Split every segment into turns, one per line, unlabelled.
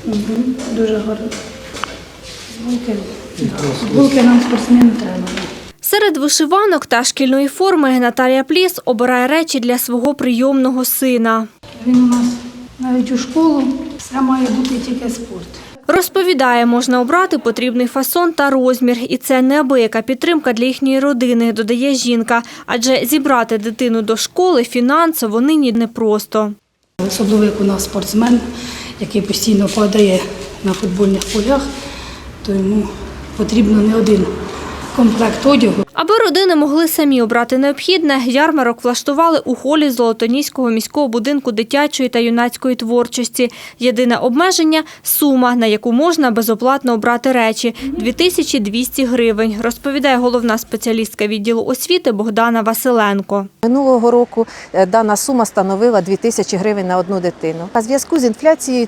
Дуже гарно. Футболки нам спортсмену треба.
Серед вишиванок та шкільної форми Наталія Пліс обирає речі для свого прийомного сина.
Він у нас навіть у школу, все має бути тільки спорт.
Розповідає, можна обрати потрібний фасон та розмір. І це неабияка підтримка для їхньої родини, додає жінка. Адже зібрати дитину до школи фінансово нині непросто.
Особливо, як у нас спортсмен, який постійно падає на футбольних полях, то йому потрібно не один комплект одягу.
Аби родини могли самі обрати необхідне, ярмарок влаштували у холі Золотоніського міського будинку дитячої та юнацької творчості. Єдине обмеження – сума, на яку можна безоплатно обрати речі – 2200 гривень, розповідає головна спеціалістка відділу освіти Богдана Василенко.
Минулого року дана сума становила 2000 гривень на одну дитину. А в зв'язку з інфляцією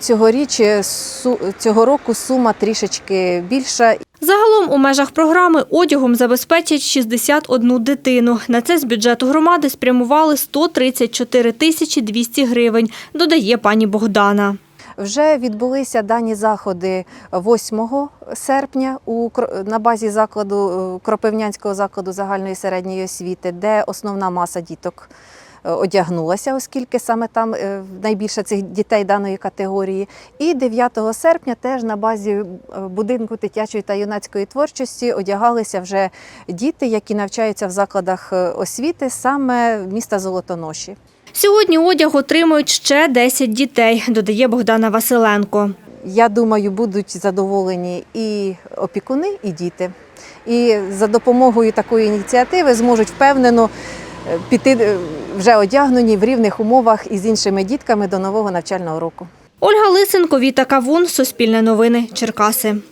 цього року сума трішечки більша.
Загалом у межах програми одягом забезпечать 61 дитину. На це з бюджету громади спрямували 134 200 гривень, додає пані Богдана.
Вже відбулися дані заходи 8 серпня на базі закладу Кропивнянського закладу загальної середньої освіти, де основна маса діток одягнулася, оскільки саме там найбільше цих дітей даної категорії. І 9 серпня теж на базі будинку дитячої та юнацької творчості одягалися вже діти, які навчаються в закладах освіти саме міста Золотоноші.
Сьогодні одяг отримують ще 10 дітей, додає Богдана Василенко.
Я думаю, будуть задоволені і опікуни, і діти. І за допомогою такої ініціативи зможуть впевнено піти вже одягнені в рівних умовах із іншими дітками до нового навчального року.
Ольга Лисенко, Віта Кавун, Суспільне новини, Черкаси.